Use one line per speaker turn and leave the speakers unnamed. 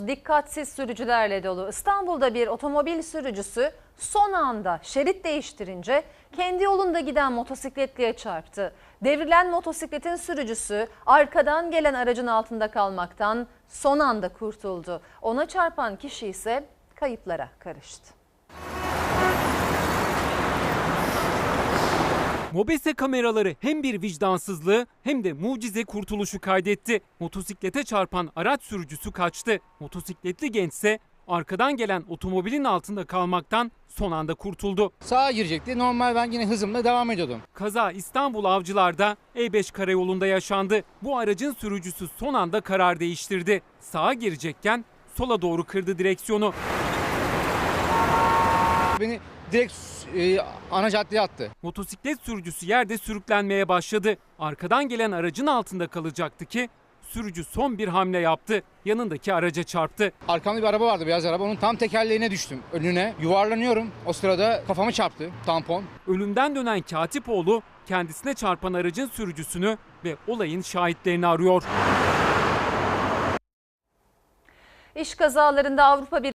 Dikkatsiz sürücülerle dolu. İstanbul'da bir otomobil sürücüsü son anda şerit değiştirince kendi yolunda giden motosikletliye çarptı. Devrilen motosikletin sürücüsü arkadan gelen aracın altında kalmaktan son anda kurtuldu. Ona çarpan kişi ise kayıplara karıştı.
Mobese kameraları hem bir vicdansızlığı hem de mucize kurtuluşu kaydetti. Motosiklete çarpan araç sürücüsü kaçtı. Motosikletli gençse arkadan gelen otomobilin altında kalmaktan son anda kurtuldu.
Sağa girecekti. Normal ben yine hızımla devam ediyordum.
Kaza İstanbul Avcılar'da E5 karayolunda yaşandı. Bu aracın sürücüsü son anda karar değiştirdi. Sağa girecekken sola doğru kırdı direksiyonu.
Beni direkt ana caddeye attı.
Motosiklet sürücüsü yerde sürüklenmeye başladı. Arkadan gelen aracın altında kalacaktı ki sürücü son bir hamle yaptı. Yanındaki araca çarptı.
Arkamda bir araba vardı, beyaz araba. Onun tam tekerleğine düştüm. Önüne yuvarlanıyorum. O sırada kafamı çarptı tampon.
Ölümden dönen Katipoğlu kendisine çarpan aracın sürücüsünü ve olayın şahitlerini arıyor.
İş kazalarında Avrupa